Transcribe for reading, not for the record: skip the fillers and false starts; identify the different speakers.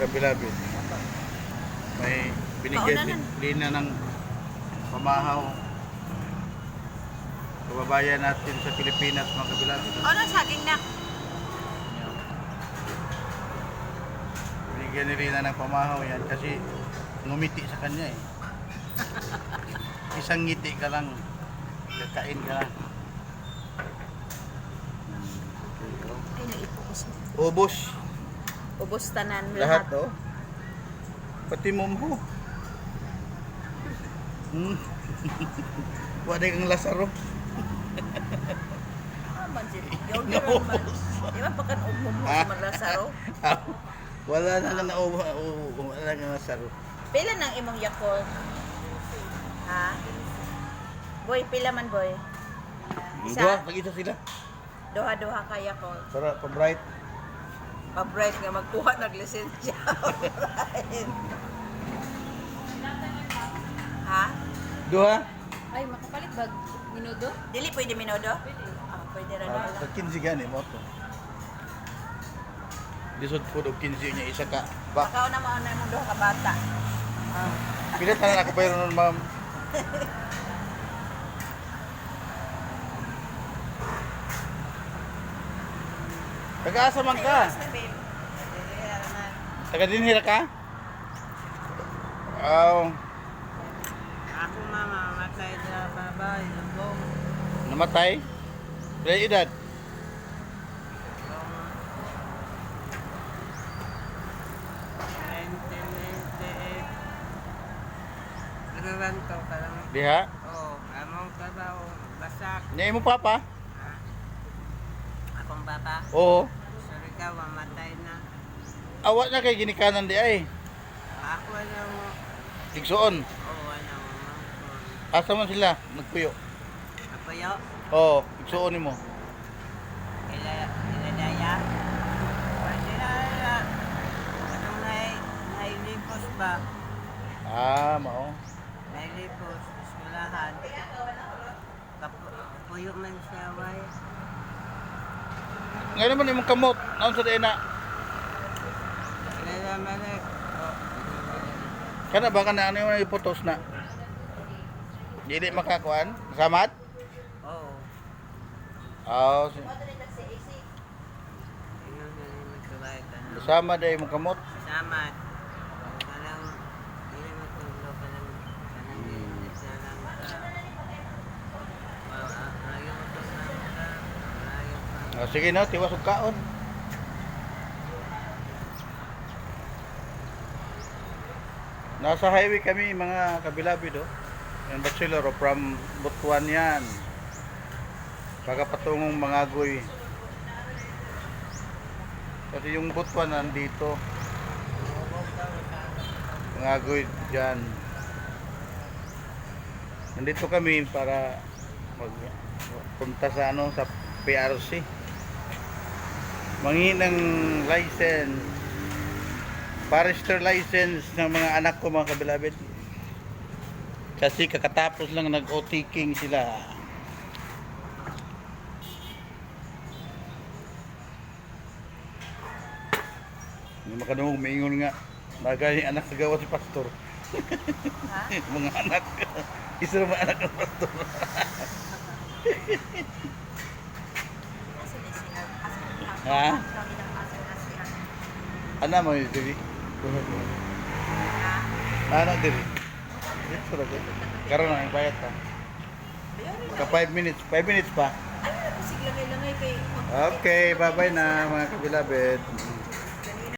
Speaker 1: kabilabid. May binigay si Lina ng pamahaw. Kababayan natin sa Pilipinas, mga kabilabid.
Speaker 2: Ano saging na?
Speaker 1: Binigyan ni Lina ng pamahaw yan kasi ngumiti sa kanya eh. Isang ngiti ka lang, kakain ka lang.
Speaker 2: Ay, naipukos mo.
Speaker 1: Ubos.
Speaker 2: Ubos tanan
Speaker 1: Lahat
Speaker 2: lahat.
Speaker 1: oh. Pati mumho. Wala kang Lazaro.
Speaker 2: Ah, man si Yogurt man. Di ba pagkan umum mo sa Lasaro?
Speaker 1: Wala na nga wala nga Lazaro.
Speaker 2: Pila nang imong Yakult? Ha? Boy, pila man boy? Isa?
Speaker 1: Dua, mag-isa sila.
Speaker 2: Duha-duha ka Yakult.
Speaker 1: Para pa-bright.
Speaker 2: Pa-bright nga magkuha ng lisensya. Bright. Ha?
Speaker 1: Dua?
Speaker 3: Ay, makapalit bag minudo?
Speaker 2: Dili pwede minodo? Ah, pwede ra na.
Speaker 1: Sa 15 gani mo to. Lisod po og 15 niya isa ka. Ba,
Speaker 2: Baka na mo na imong duha ka bata. Ah.
Speaker 1: pila tanan ako pero nun, ma'am. Taga-asa man ka? Taga dinhira ka? Oh,
Speaker 4: Ako mama, matay na babae, lubong.
Speaker 1: namatay? Pila edad?
Speaker 4: Nagranto ka lang.
Speaker 1: Diha?
Speaker 4: Oo, among trabaho, basak.
Speaker 1: Niya mo papa?
Speaker 4: Ha? Akong papa,
Speaker 1: Oo.
Speaker 4: sorry ka, mamatay na.
Speaker 1: Awa na kay ginikanan di ay.
Speaker 4: Ako na mo,
Speaker 1: Igsuon.
Speaker 4: oo, ano mo,
Speaker 1: Asa man sila? Nagpuyo.
Speaker 4: Ako yo,
Speaker 1: Oo, igsuon nimo.
Speaker 4: iladaya. Pwede na, anong nailipos ba?
Speaker 1: Ah, mao.
Speaker 4: Nailipos, eskwelahan. Kapuyo man siya, way.
Speaker 1: Ngayon naman imong kamot. Naon sa dina?
Speaker 4: Kilala malek.
Speaker 1: Kana ba kana ano yung ipotos na? Dili makakuan? Samat?
Speaker 4: Oo.
Speaker 1: Oo.
Speaker 4: Ingon na yung magkabay ka na.
Speaker 1: Sama day imong kamot.
Speaker 4: Salamat. Kanang, hindi matulog ka lang. Kanang isa lang ka. Ayaw mo to lang ka. Ayaw ka.
Speaker 1: Ah, sige na, tiwas og kaon. Nasa highway kami mga kabilabid oh. Yan bachelor oh, from Butuan yan. Baga patungong Mangagoy. Kasi yung Butuan nandito. Mangagoy dyan. Nandito kami para magpunta sa ano sa PRC. Manghingi ng license. Forester license ng mga anak ko mga kabilabid. Kasi kakatapos lang nag-OT-king sila. Yung makanong maingon nga bagay anak sa gawa si pastor.
Speaker 2: Ha?
Speaker 1: Mga anak. Isa naman anak ng pastor.
Speaker 2: Kasi ni sila. Kasi
Speaker 1: Ha?
Speaker 2: kami ng asa na siya.
Speaker 1: Ano mo yun, Diri?
Speaker 2: Ha?
Speaker 1: Ano, Diri? Dito lang. Karoon na, bayad pa.
Speaker 2: Bayarin na.
Speaker 1: Ka 5 minutes. 5 minutes pa.
Speaker 2: Ano na sigla kay
Speaker 1: Okay, bye-bye na mga kabilabid.